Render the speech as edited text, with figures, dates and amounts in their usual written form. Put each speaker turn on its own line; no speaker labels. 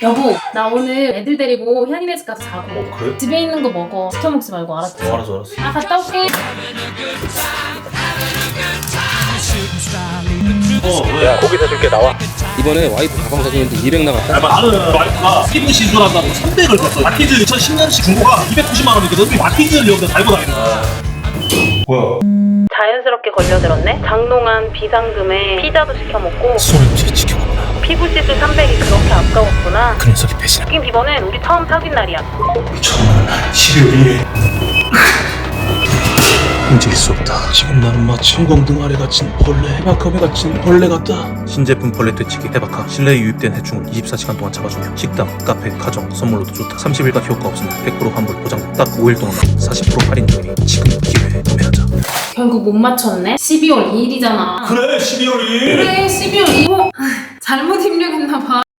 여보, 나 오늘 애들 데리고 현이네 집 가서 자고.
그래?
집에 있는 거 먹어. 시켜 먹지 말고, 알았지?
알았어.
아, 갔다 올게.
왜?
야 고기 사줄게 나와. 이번에 와이프 가방 사주는데 200 나갔다.
나는 와이프가 피부 시술한다고 300을 줬어. 마티즈 2010년식 중고가 290만 원이거든. 우리 마티즈를 여기다 달고 다니는 거야. 뭐야?
자연스럽게 걸려들었네? 장롱한 비상금에 피자도 시켜 먹고
손을 움직이 지켜봤나.
피부 시술 300이 그렇게 아까웠구나.
그 녀석이 배신한.
웃긴 비번은 우리 처음 사귄 날이야.
처음은 12월 2일. 움직일 수 없다. 지금 나는 마치 형광등 아래 갇힌 벌레, 해바컵에 갇힌 벌레 같다.
신제품 벌레 퇴치기 해바카. 실내에 유입된 해충을 24시간 동안 잡아주며 식당, 카페, 가정, 선물로도 좋다. 30일간 효과 없으면 100% 환불 보장. 딱 5일 동안 40% 할인 중이니 지금 기회에 구매하자.
결국 못 맞췄네? 12월 2일이잖아.
그래 12월 2일.
그래, 12월 2일. 잘못 입력했나봐.